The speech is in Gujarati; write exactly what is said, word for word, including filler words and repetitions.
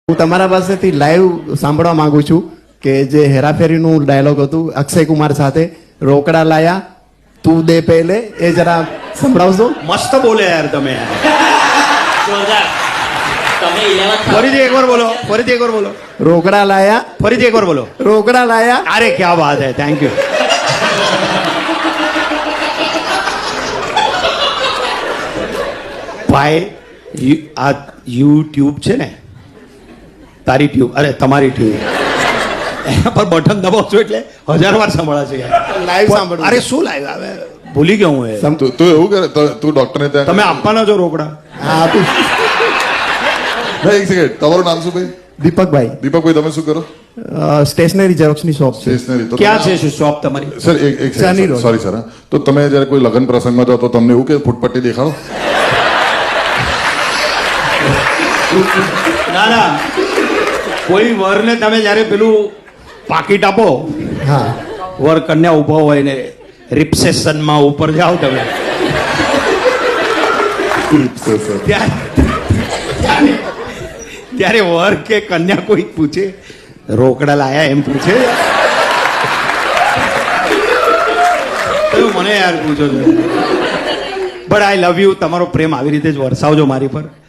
હું તમારા પાસેથી લાઈવ સાંભળવા માંગુ છું કે જે હેરાફેરીનું ડાયલોગ હતું અક્ષય કુમાર સાથે રોકડા લાયા તું દે પહેલે એ જરા સંભળાવશો. મસ્ત બોલે યાર તમે. તમે eleventh ફરીથી એકવાર બોલો ફરીથી એકવાર બોલો રોકડા લાયા ફરીથી એકવાર બોલો રોકડા લાયા. અરે ક્યાં વાત હે, થેન્ક યુ. ભાઈ યુ- આ યુટ્યુબ છે ને, તારી ટ્યુબ, અરે તમારી ટ્યુબ, એના પર બટન દબાવશો એટલે હજાર વાર સંભળાશે યાર. લાઈવ સાંભળવું. અરે શું લાઈવ આવે, ભૂલી ગયો હું એ. સમ- તું તું એવું કરે ત- તું ડોક્ટરને ત્યાં તમે આપવાના છો રોકડા? હા આપું. ભાઈ એક સેકન્ડ, તમારું નામ શું ભાઈ? દીપકભાઈ, દીપકભાઈ, તમે શું કરો? સ્ટેશનરી ઝેરોક્સની શોપ છે. સ્ટેશનરી. તો ક્યાં છે શું શોપ તમારી? સર એક એક ચાની રોડ. સોરી સર હા. તો તમે જ્યારે કોઈ લગ્ન પ્રસંગમાં જાઓ તો તમને એવું કે ફૂટપટ્ટી દેખાડો? ના ના, કોઈ વરને તમે જ્યારે પેલું પાકીટ આપો, હા વર કન્યા ઉભો હોય ને રિસેપ્શનમાં ઉપર જાઓ તમે, સર સર ત્યારે ત્યારે વર કે કન્યા કોઈ પૂછે રોકડા લાયા એમ પૂછે? તમે મને યાર પૂછો છો. But I love you. તમારો પ્રેમ આવી રીતે જ વરસાવજો મારી પર.